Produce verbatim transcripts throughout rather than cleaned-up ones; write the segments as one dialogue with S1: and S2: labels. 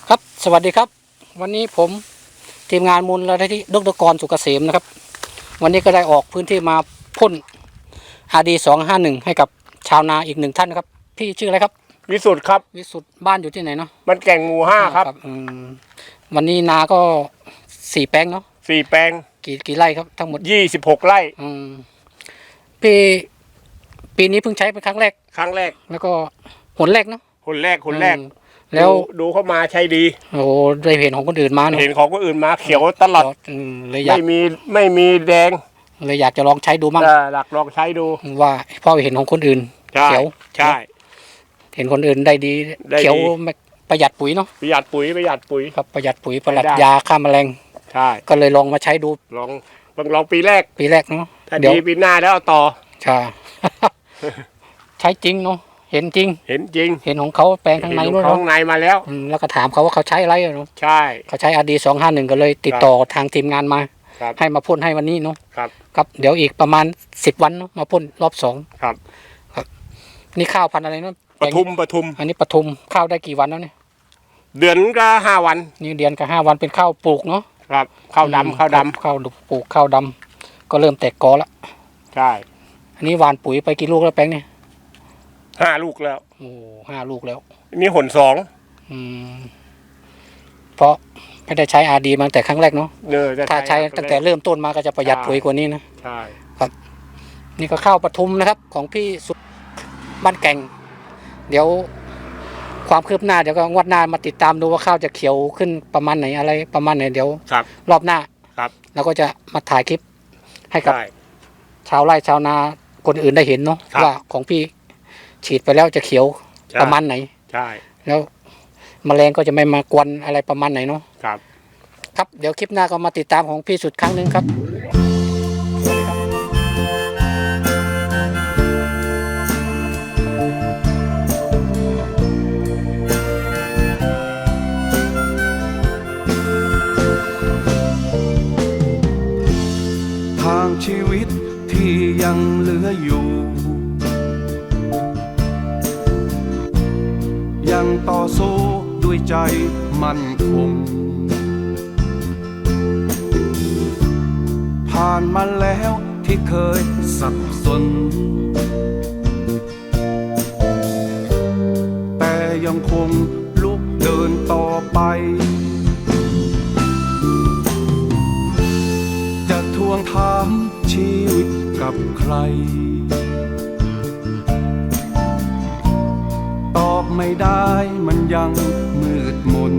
S1: ครับสวัสดีครับวันนี้ผมทีมงานมูลนิธิดร.กรสุกเกษมนะครับวันนี้ก็ได้ออกพื้นที่มาพ่น อาร์ ดี สองห้าหนึ่งให้กับชาวนาอีกหนึ่งท่านนะครับพี่ชื่ออะไรครับ
S2: วิสุทธ์ครับ
S1: วิสุทธ์บ้านอยู่ที่ไหนเนาะ
S2: มันแก่งหมู่ห้าครับ
S1: อืมวันนี้นาก็สี่แปลงเนาะ
S2: สี่แปลง
S1: กี่กี่ไร่ครับทั้งหมด
S2: ยี่สิบหกไร่
S1: อืมพี่ปีนี้เพิ่งใช้เป็นครั้งแรก
S2: ครั้งแรก
S1: แล้วก็หนแรกเนาะ
S2: หนแรกหนแรก
S1: แล้ว
S2: ดูเข้ามาใช้ดี
S1: โอ้ได้เห็นของคนอื่นมาเนาะ
S2: เห็นของคนอื่นมาเขียวตลอด
S1: เลยอยาก
S2: ไม่มีไม่มีแดง
S1: เลยอยากจะลองใช้ดูมั่ง
S2: หลักลองใช้ดู
S1: ว่าพ่อเห็นของคนอื่นเขียว
S2: ใช่
S1: เห็นคนอื่นได้ดีเขียวประหยัดปุ๋ยเนาะ
S2: ประหยัดปุ๋ยประหยัดปุ๋ย
S1: ครับประหยัดปุ๋ยประหยัดยาฆ่าแมลง
S2: ใช่
S1: ก็เลยลองมาใช้ดู
S2: ลองลองปีแรก
S1: ปีแรกเนาะ
S2: ถ้าดีปีหน้าแล้วต่อ
S1: ใช่ใช้จริงเนาะเห็นจริง
S2: เห็นจริง
S1: เห็นของเขาแปลงข้างในด้วยเนาะ
S2: ข้างในมาแล้ว
S1: แล้วก็ถามเขาว่าเขาใช้อะไรเนาะ
S2: ใช่
S1: เขาใช้ อาร์ ดี สองห้าหนึ่งก็เลยติดต่อทางทีมงานมาให้มาพ่นให้วันนี้เนาะ
S2: ครับ
S1: ครับเดี๋ยวอีกประมาณสิบวันเนาะมาพ่นรอบสอง
S2: ครับ
S1: ครับนี่ข้าวพันธุ์อะไรเนาะ
S2: ปทุมปทุม
S1: อันนี้ปทุมข้าวได้กี่วันแล้วเนี่ย
S2: เดือนก็ห้าวัน
S1: นี่เดือนกับห้าวันเป็นข้าวปลูกเนาะ
S2: ครับข้าวดำข้าวดำ
S1: ข้าวปลูกข้าวดำก็เริ่มแตกกอแล้ว
S2: ใช่
S1: อันนี้หว่านปุ๋ยไปกี่ลูกแล้วแป้งเนี่ย
S2: ห้าลูกแล้ว
S1: โอ้ห้าลูกแล้ว
S2: นี่หนสอง
S1: อืมเพราะไม่ได้ใช้ อาร์ ดี มาตั้งแต่ครั้งแรกเนาะถ้าใช้ตั้งแต่เริ่มต้นมาก็จะประหยัดปุ๋ยกว่านี้นะ
S2: ใช่
S1: ครับนี่ก็ข้าวปทุมนะครับของพี่สุดบ้านแก่งเดี๋ยวความคืบหน้าเดี๋ยวก็งวดหน้ามาติดตามดูว่าข้าวจะเขียวขึ้นประมาณไหนอะไรประมาณไหนเดี๋ยวรอบหน้า
S2: ครับ
S1: เราก็จะมาถ่ายคลิปให้กับชาวไร่ชาวนาคนอื่นได้เห็นเนาะว่าของพี่ฉีดไปแล้วจะเขียวประมาณไหน
S2: ใช่
S1: แล้วแมลงก็จะไม่มากวนอะไรประมาณไหนเนาะ
S2: ครับ
S1: ครับเดี๋ยวคลิปหน้าก็มาติดตามของพี่สุดครั้งหนึ่งครับ
S3: ทางชีวิตที่ยังเหลืออยู่ยังต่อสู้ด้วยใจมั่นคงผ่านมาแล้วที่เคยสับสนแต่ยังคงลุกเดินต่อไปจะทวงถามชีวิตกับใครตอบไม่ได้มันยังมืดมน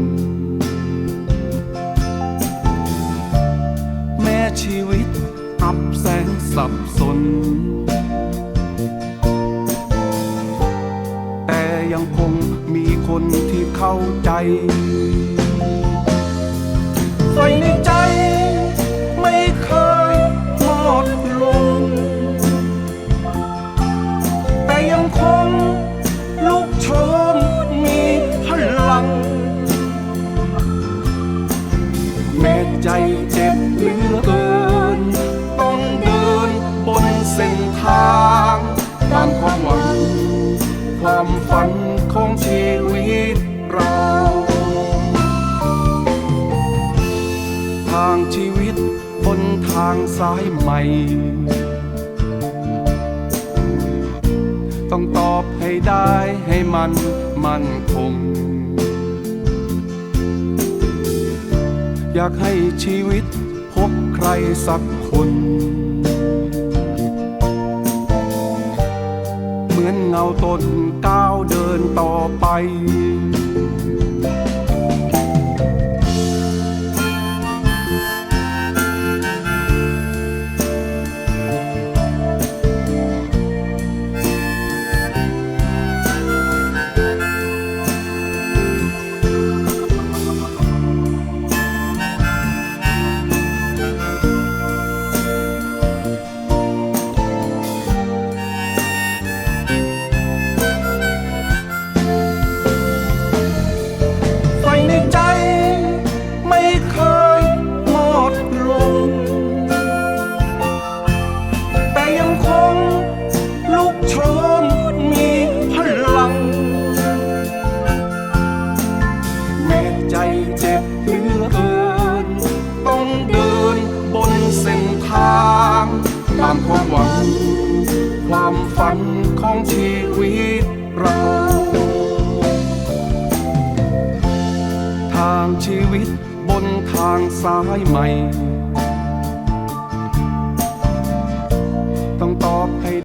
S3: แม้ชีวิตอับแสงสับสนแต่ยังคงมีคนที่เข้าใจไฟในใจไม่เคยหมดลงแต่ยังคงลุกโชนมีพลังแม้ใจเจ็บเหลือเกินต้องเดินบนเส้นทางตามความหวังความฝันของชีวิตเราทางชีวิตบนทางสายใหม่ต้องตอบให้ได้ให้มันมั่นคงอยากให้ชีวิตพบใครสักคนเหมือนเงาต้นก้าวเดินต่อไปส้นทาง ตามความหวัง ความฝันของชีวิตเรา ทางชีวิตบนทางสายใหม่ ต้องตอบให้